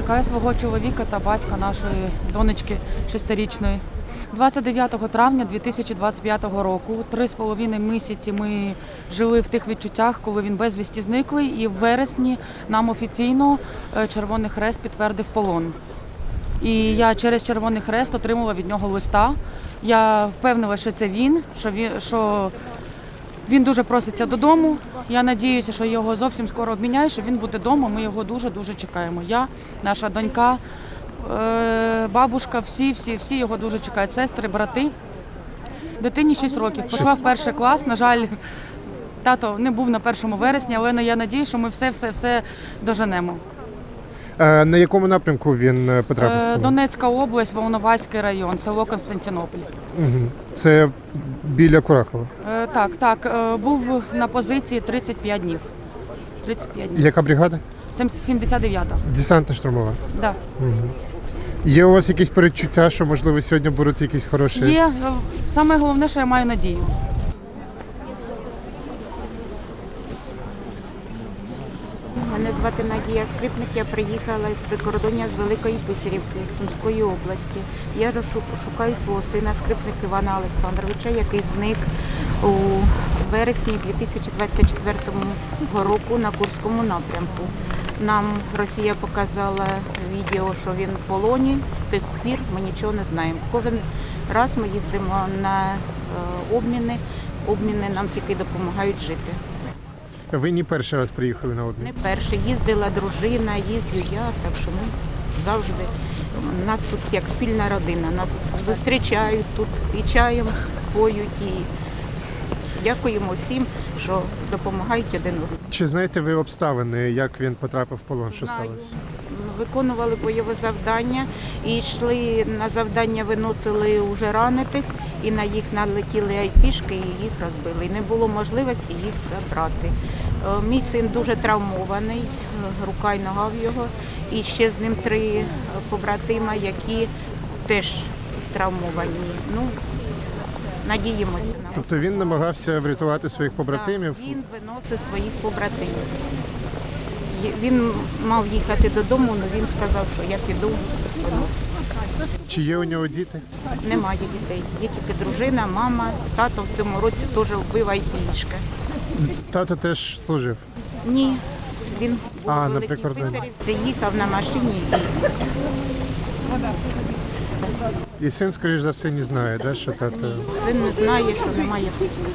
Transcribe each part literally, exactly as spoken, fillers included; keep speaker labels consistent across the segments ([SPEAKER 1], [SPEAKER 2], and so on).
[SPEAKER 1] Чекаю свого чоловіка та батька нашої донечки шестирічної. двадцять дев'ятого травня дві тисячі двадцять п'ятого року, три з половиною місяці ми жили в тих відчуттях, коли він безвісті зниклий, і в вересні нам офіційно Червоний Хрест підтвердив полон. І я через Червоний Хрест отримала від нього листа. Я впевнила, що це він, що він, що він дуже проситься додому. Я сподіваюся, що його зовсім скоро обміняють, що він буде вдома. Ми його дуже-дуже чекаємо. Я, наша донька, бабушка, всі, всі, всі його дуже чекають. Сестри, брати. Дитині шість років. Пішла в перший клас. На жаль, тато не був на першому вересня, але я сподіваюся, що ми все-все-все доженемо.
[SPEAKER 2] А на якому напрямку він потрапив?
[SPEAKER 1] Донецька область, Волноваський район, село Константинополь.
[SPEAKER 2] Угу. Це біля Курахова?
[SPEAKER 1] Так, так. Був на позиції тридцять п'ять днів. тридцять п'ять днів.
[SPEAKER 2] Яка бригада?
[SPEAKER 1] сімдесят дев'ята.
[SPEAKER 2] Десантна штурмова?
[SPEAKER 1] Так. Да.
[SPEAKER 2] Угу. Є у вас якісь передчуття, що, можливо, сьогодні будуть якісь хороші?
[SPEAKER 1] Є. Саме головне, що я маю надію.
[SPEAKER 3] Мене звати Надія Скрипник, я приїхала з прикордоння з Великої Писарівки, з Сумської області. Я шукаю свого сина Скрипник Івана Олександровича, який зник у вересні дві тисячі двадцять четвертого року на Курському напрямку. Нам Росія показала відео, що він в полоні, з тих пір ми нічого не знаємо. Кожен раз ми їздимо на обміни, обміни нам тільки допомагають жити.
[SPEAKER 2] Ви не перший раз приїхали на обмін?
[SPEAKER 3] Не перший. Їздила дружина, їздю я, так що ми завжди. У нас тут як спільна родина. Нас зустрічають тут і чаєм поють, і дякуємо всім, що допомагають один одному.
[SPEAKER 2] Чи знаєте ви обставини, як він потрапив в полон, що
[SPEAKER 3] Знаю.
[SPEAKER 2] сталося?
[SPEAKER 3] Виконували бойове завдання і йшли на завдання, виносили уже ранених, і на їх налетіли айпішки і їх розбили. І не було можливості їх забрати. Мій син дуже травмований, рука й нога в його, і ще з ним три побратима, які теж травмовані. Ну, надіємося.
[SPEAKER 2] Тобто він намагався врятувати своїх побратимів?
[SPEAKER 3] Так, він виносив своїх побратимів. Він мав їхати додому, але він сказав, що я піду виносити.
[SPEAKER 2] Чи є у нього діти?
[SPEAKER 3] Немає дітей. Є тільки дружина, мама, тато в цьому році теж вбив айпішка.
[SPEAKER 2] Тато теж служив?
[SPEAKER 3] Ні, він був
[SPEAKER 2] А,
[SPEAKER 3] у
[SPEAKER 2] на
[SPEAKER 3] Великій
[SPEAKER 2] прикордонні.
[SPEAKER 3] Писарівці, їхав на машині.
[SPEAKER 2] І син, скоріш за все, не знає, да, що тато...
[SPEAKER 3] Син не знає, що немає путів.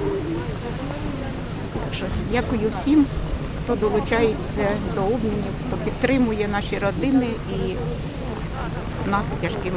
[SPEAKER 3] Так що дякую всім, хто долучається до обмінів, хто підтримує наші родини і нас тяжкими.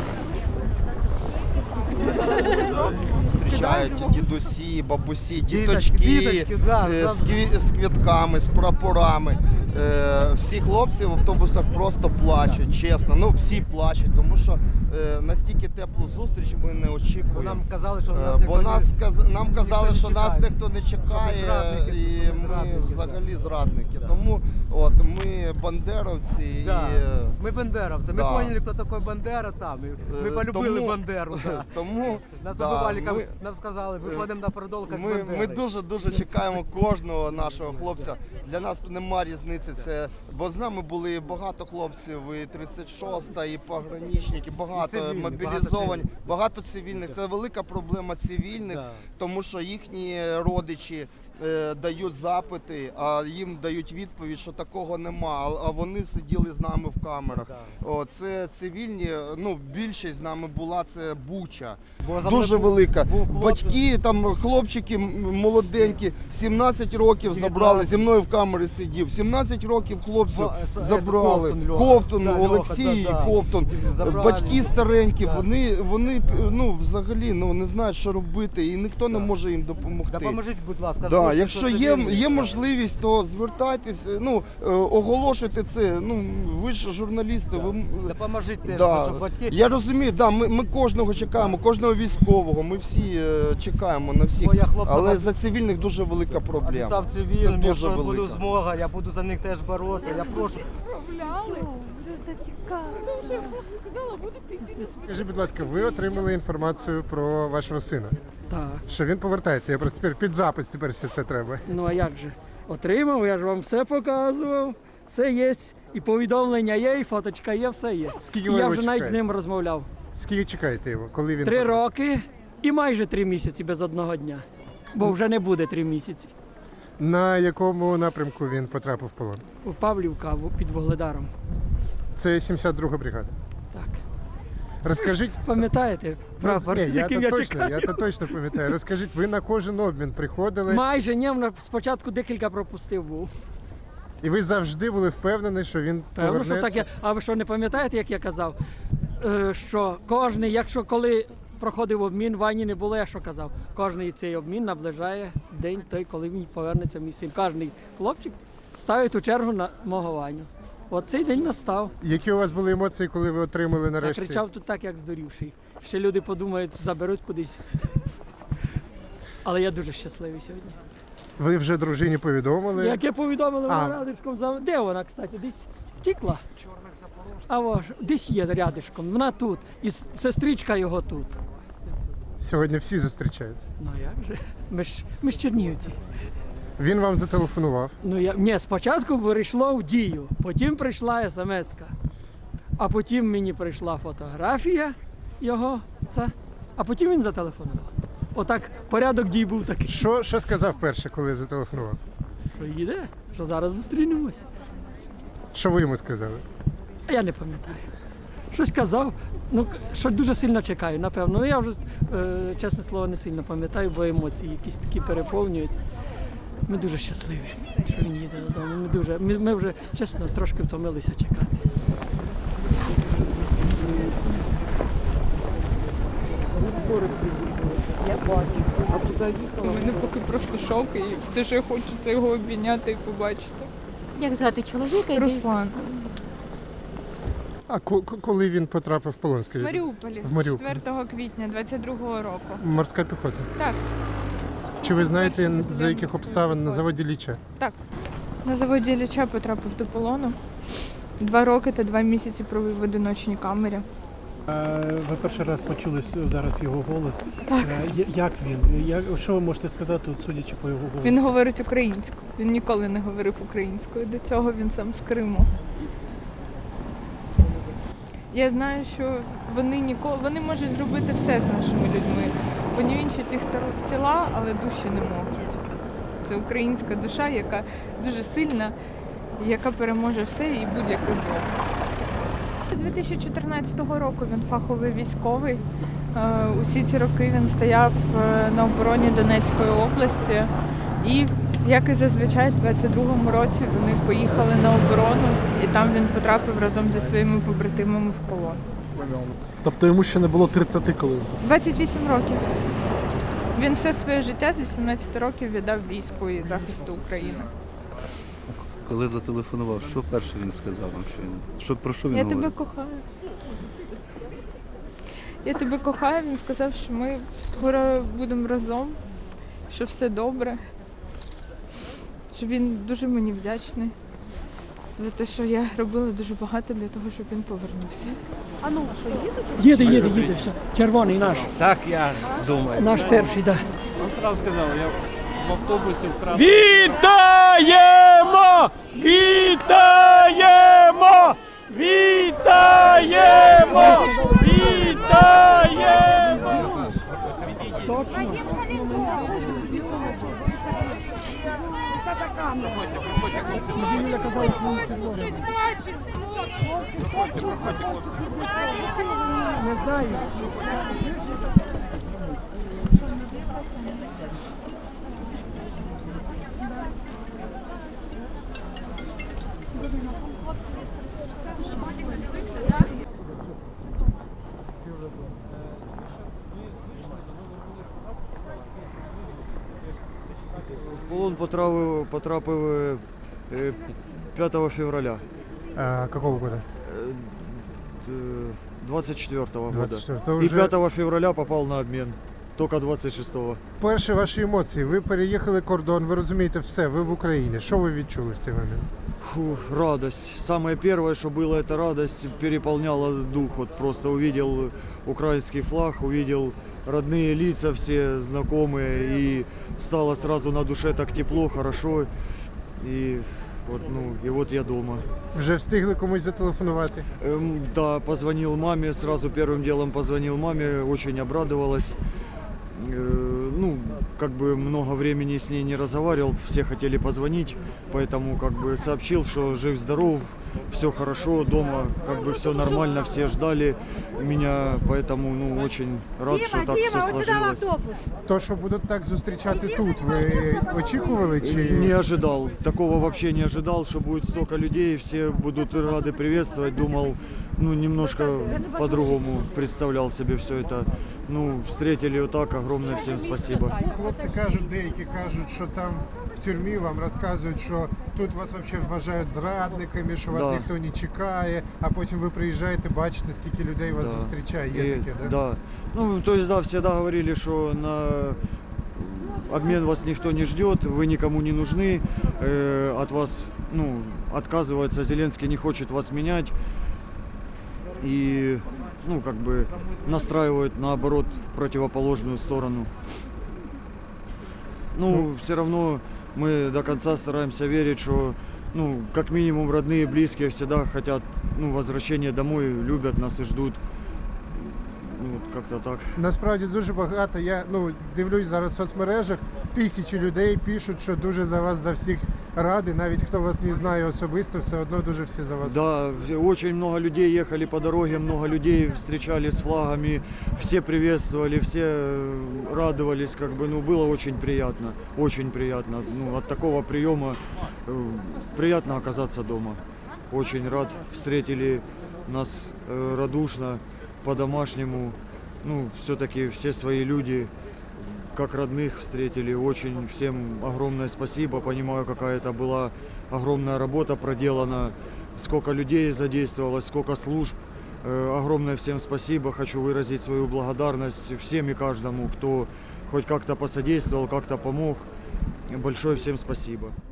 [SPEAKER 4] Зустрічають дідусі, бабусі,
[SPEAKER 5] Діточки,
[SPEAKER 4] діточки
[SPEAKER 5] діточки, да,
[SPEAKER 4] е, з, кві- з квітками, з прапорами. Е, Всі хлопці в автобусах просто плачуть, чесно. Ну, всі плачуть, тому що е, настільки теплу зустріч ми не
[SPEAKER 5] Бо
[SPEAKER 4] очікуємо.
[SPEAKER 5] нам казали, що
[SPEAKER 4] Е,
[SPEAKER 5] нас
[SPEAKER 4] Бо
[SPEAKER 5] ніхто
[SPEAKER 4] нас,
[SPEAKER 5] не...
[SPEAKER 4] каз- нам казали,
[SPEAKER 5] не
[SPEAKER 4] що нас
[SPEAKER 5] чекає.
[SPEAKER 4] ніхто не
[SPEAKER 5] Що ми
[SPEAKER 4] чекає,
[SPEAKER 5] зрадники,
[SPEAKER 4] і
[SPEAKER 5] що ми
[SPEAKER 4] ми
[SPEAKER 5] зрадники,
[SPEAKER 4] взагалі
[SPEAKER 5] да.
[SPEAKER 4] зрадники. Тому от, ми бандеровці.
[SPEAKER 5] Да.
[SPEAKER 4] І, е,
[SPEAKER 5] Ми бандеровці, ми
[SPEAKER 4] да.
[SPEAKER 5] поняли, хто такий Бандера там. і Ми
[SPEAKER 4] Е,
[SPEAKER 5] полюбили
[SPEAKER 4] тому-
[SPEAKER 5] Бандеру. Да.
[SPEAKER 4] Тому
[SPEAKER 5] Нас
[SPEAKER 4] да,
[SPEAKER 5] убивали,
[SPEAKER 4] ми-
[SPEAKER 5] нам сказали, виходимо на продол, як
[SPEAKER 4] Ми,
[SPEAKER 5] Бандери.
[SPEAKER 4] ми дуже-дуже чекаємо кожного нашого хлопця. Для нас нема різниці, це, бо з нами були багато хлопців, і тридцять шоста, і пограничники, багато
[SPEAKER 5] І цивільні,
[SPEAKER 4] мобілізовані,
[SPEAKER 5] багато
[SPEAKER 4] багато цивільних. Це велика проблема цивільних,
[SPEAKER 5] Да.
[SPEAKER 4] тому що їхні родичі е, дають запити, а їм дають відповідь, що такого нема, а, а вони сиділи з нами в камерах.
[SPEAKER 5] Да.
[SPEAKER 4] О, це цивільні, ну більшість з нами була, це Буча.
[SPEAKER 5] Бо за
[SPEAKER 4] Дуже
[SPEAKER 5] мною був-
[SPEAKER 4] велика.
[SPEAKER 5] був хлопець.
[SPEAKER 4] Батьки, там хлопчики м- молоденькі, сімнадцять років забрали, зі мною в камері сидів. сімнадцять років хлопців
[SPEAKER 5] Ба- с-
[SPEAKER 4] забрали.
[SPEAKER 5] Ковтун, Льоха.
[SPEAKER 4] Ковтун,
[SPEAKER 5] Да, Льоха,
[SPEAKER 4] Олексій,
[SPEAKER 5] да, да.
[SPEAKER 4] Ковтун.
[SPEAKER 5] Забрали.
[SPEAKER 4] Батьки старенькі,
[SPEAKER 5] Да.
[SPEAKER 4] вони, вони ну, взагалі ну, не знають, що робити, і ніхто не
[SPEAKER 5] Да.
[SPEAKER 4] може їм допомогти.
[SPEAKER 5] Допоможіть, будь ласка.
[SPEAKER 4] Да,
[SPEAKER 5] скажіть,
[SPEAKER 4] якщо
[SPEAKER 5] що
[SPEAKER 4] є,
[SPEAKER 5] цивільні.
[SPEAKER 4] є можливість, то звертайтесь, ну, е, оголошуйте це. Ну, ви ж журналісти, ви м-
[SPEAKER 5] Допоможіть теж,
[SPEAKER 4] Да.
[SPEAKER 5] щоб батьки...
[SPEAKER 4] Я розумію, да, ми, ми кожного чекаємо, кожного військового, ми всі е, чекаємо на всіх,
[SPEAKER 5] Бо я хлопцям
[SPEAKER 4] але
[SPEAKER 5] об-
[SPEAKER 4] за цивільних дуже велика проблема.
[SPEAKER 5] Обіцяв
[SPEAKER 4] Це
[SPEAKER 5] цивільним,
[SPEAKER 4] дуже
[SPEAKER 5] якщо буде
[SPEAKER 4] велика.
[SPEAKER 5] змога, я буду за них теж боротися. Я прошу.
[SPEAKER 2] Скажіть, будь ласка, ви отримали інформацію про вашого сина?
[SPEAKER 6] Так.
[SPEAKER 2] Що він повертається? Я просто тепер під запис тепер все це треба.
[SPEAKER 6] Ну а як же? Отримав, я ж вам все показував. Все є, і повідомлення є, і фоточка є, все є.
[SPEAKER 2] Скільки
[SPEAKER 6] І
[SPEAKER 2] ви
[SPEAKER 6] я
[SPEAKER 2] його
[SPEAKER 6] вже навіть з
[SPEAKER 2] чекаєте?
[SPEAKER 6] ним розмовляв.
[SPEAKER 2] Скільки чекаєте його? Коли він
[SPEAKER 6] Три
[SPEAKER 2] повернеться?
[SPEAKER 6] роки і майже три місяці без одного дня. Бо вже не буде три місяці.
[SPEAKER 2] На якому напрямку він потрапив в полон?
[SPEAKER 6] У Павлівка в- під Вугледаром.
[SPEAKER 2] Це сімдесят друга бригада.
[SPEAKER 6] Так.
[SPEAKER 2] Розкажіть.
[SPEAKER 6] Пам'ятаєте прапор,
[SPEAKER 2] Ні,
[SPEAKER 6] з
[SPEAKER 2] я,
[SPEAKER 6] яким
[SPEAKER 2] то
[SPEAKER 6] я
[SPEAKER 2] точно,
[SPEAKER 6] чекаю?
[SPEAKER 2] я то точно пам'ятаю. Розкажіть, ви на кожен обмін приходили,
[SPEAKER 6] Майже ні, вона спочатку декілька пропустив був.
[SPEAKER 2] і ви завжди були впевнені, що він
[SPEAKER 6] Певно,
[SPEAKER 2] повернеться?
[SPEAKER 6] що так я. А ви що не пам'ятаєте, як я казав? Е, що кожний, якщо коли проходив обмін, Вані не було, я що казав. Кожний цей обмін наближає день той, коли він повернеться в місце. Кожний хлопчик ставить у чергу на мого Ваню. От цей день настав.
[SPEAKER 2] Які у вас були емоції, коли ви отримали
[SPEAKER 6] Я
[SPEAKER 2] нарешті?
[SPEAKER 6] кричав тут так, як здурівший. Ще люди подумають, заберуть кудись. Але я дуже щасливий сьогодні.
[SPEAKER 2] Ви вже дружині повідомили?
[SPEAKER 6] Як я повідомили,
[SPEAKER 2] А.
[SPEAKER 6] вона рядишком за. Де вона, кстати? Десь втікла. А вож, десь є рядишком. Вона тут. І с- сестричка його тут.
[SPEAKER 2] Сьогодні всі зустрічають.
[SPEAKER 6] Ну як же? Ми ж, ми ж чернігівці.
[SPEAKER 2] Він вам зателефонував.
[SPEAKER 6] Ну я ні, спочатку перейшло в дію, потім прийшла смс-ка, а потім мені прийшла фотографія його, це, а потім він зателефонував. Отак порядок дій був такий.
[SPEAKER 2] Що, що сказав перше, коли зателефонував?
[SPEAKER 6] Що їде, що зараз зустрінемось.
[SPEAKER 2] Що ви йому сказали?
[SPEAKER 6] А я не пам'ятаю. Щось казав, ну що дуже сильно чекаю, напевно. Ну я вже, е, чесне слово, не сильно пам'ятаю, бо емоції якісь такі переповнюють. Ми дуже щасливі, що він їде додому. Ми дуже, ми, ми вже, чесно, трошки втомилися чекати.
[SPEAKER 7] У мене поки просто шок, і все, що я хочу, це його обійняти і побачити.
[SPEAKER 8] Як звати чоловіка? і де-
[SPEAKER 7] Руслан.
[SPEAKER 2] А ко- ко- коли він потрапив в полон,
[SPEAKER 7] В
[SPEAKER 2] скажіть?
[SPEAKER 7] Маріуполі,
[SPEAKER 2] В Маріуполі.
[SPEAKER 7] четвертого квітня двадцять другого року.
[SPEAKER 2] Морська піхота.
[SPEAKER 7] Так,
[SPEAKER 2] Чи ви знаєте,
[SPEAKER 7] Перший
[SPEAKER 2] за яких
[SPEAKER 7] морської
[SPEAKER 2] обставин на
[SPEAKER 7] піхоти.
[SPEAKER 2] заводі Ліча?
[SPEAKER 7] так. На заводі Ілліча потрапив до полону. Два роки та два місяці провів в одиночній камері.
[SPEAKER 9] Е, Ви перший раз почули с- зараз його голос. Так. Як він? Як, що ви можете сказати, от, судячи по його голосу?
[SPEAKER 7] Він говорить українською. Він ніколи не говорив українською. До цього він сам з Криму. Я знаю, що вони ніколи вони можуть зробити все з нашими людьми. Понівінчити їх тел- тіла, але душі не можуть. Це українська душа, яка дуже сильна, і яка переможе все і будь-яке зло. З дві тисячі чотирнадцятого року він фаховий військовий. Е, Усі ці роки він стояв е, на обороні Донецької області. І, як і зазвичай, в двадцять другому році вони поїхали на оборону, і там він потрапив разом зі своїми побратимами в полон.
[SPEAKER 10] Тобто йому ще не було тридцяти коли?
[SPEAKER 7] двадцять вісім років. Він все своє життя з вісімнадцяти років віддав війську і захисту України.
[SPEAKER 11] Коли зателефонував, що перше він сказав вам? Що він, що, про що він
[SPEAKER 7] Я
[SPEAKER 11] говорив?
[SPEAKER 7] тебе кохаю. Я тебе кохаю. Він сказав, що ми скоро будемо разом, що все добре. Що він дуже мені вдячний за те, що я робила дуже багато для того, щоб він повернувся.
[SPEAKER 6] Їде, їде, їде, все. Червоний наш.
[SPEAKER 5] Так я думаю.
[SPEAKER 6] Наш перший, так.
[SPEAKER 5] Он сразу сказав, я в автобусі вкрав.
[SPEAKER 6] Вітаємо! Вітаємо! Вітаємо! Вітаємо! Точно. Юля казала, що він червоний. Не знаю.
[SPEAKER 12] В полон потрапив, потрапив е, п'ятого февраля
[SPEAKER 2] А, какого года?
[SPEAKER 12] е, д- двадцять четвертого года.
[SPEAKER 2] двадцять четвертого.
[SPEAKER 12] И
[SPEAKER 2] Вже
[SPEAKER 12] пятого февраля попал на обмен. Только двадцять шестого.
[SPEAKER 2] перші ваші емоції. Ви переїхали кордон, ви розумієте все, ви в Україні. Що ви відчули в цей момент?
[SPEAKER 12] Фу, радость. Самое первое, что было, это радость переполняла дух. Вот просто увидел украинский флаг, увидел родные лица все знакомые, и стало сразу на душе так тепло, хорошо. И Вот, ну, и вот я дома.
[SPEAKER 2] Вже встигли комусь зателефонувати?
[SPEAKER 12] Эм, да, позвонил маме, сразу первым делом позвонил маме, очень обрадовалась. Э, ну, как бы много времени с ней не разговаривал, все хотели позвонить, поэтому как бы сообщил, что жив-здоров, все хорошо, дома как бы все нормально, все ждали меня, поэтому ну, очень рад, что так все сложилось.
[SPEAKER 2] То, що будуть так зустрічати тут, ви очікували чи
[SPEAKER 12] Не ожидал, такого вообще не ожидал, что будет столько людей, все будут рады приветствовать, думал, ну, немножко по-другому представлял себе все это. Ну, встретили вот так, огромное всем спасибо.
[SPEAKER 2] хлопці кажуть, деякі кажуть, що там в тюрмі вам розказують, що тут вас взагалі вважають зрадниками, що вас
[SPEAKER 12] Да.
[SPEAKER 2] ніхто не чекає, а потім ви приїжджаєте, бачите, скільки людей вас
[SPEAKER 12] Да.
[SPEAKER 2] зустрічає. Є
[SPEAKER 12] И-
[SPEAKER 2] таке, да?
[SPEAKER 12] Да. Ну, то есть, да, всегда говорили, что на обмен вас никто не ждет, вы никому не нужны, э, от вас, ну, отказывается, Зеленский не хочет вас менять. И, ну, как бы настраивают, наоборот, в противоположную сторону. Ну, все равно мы до конца стараемся верить, что, ну, как минимум родные, близкие всегда хотят, ну, возвращения домой, любят нас и ждут. Ну, от как-то так.
[SPEAKER 2] Насправді дуже багато. Я ну дивлюсь зараз в соцмережах, тисячі людей пишуть, що дуже за вас за всіх раді, навіть хто вас не знає особисто, все одно дуже всі за вас.
[SPEAKER 12] Да, в- очень много людей ехали по дороге, много людей встречали с флагами, все приветствовали, все э, радовались, как бы, ну, было очень приятно, очень приятно. Ну, от такого приема э, приятно оказаться дома. Очень рад, встретили нас э, радушно, по-домашнему. Ну, все-таки все свои люди, как родных встретили. Очень всем огромное спасибо. Понимаю, какая это была огромная работа проделана, сколько людей задействовалось, сколько служб. Э, огромное всем спасибо. Хочу выразить свою благодарность всем и каждому, кто хоть как-то посодействовал, как-то помог. Большое всем спасибо.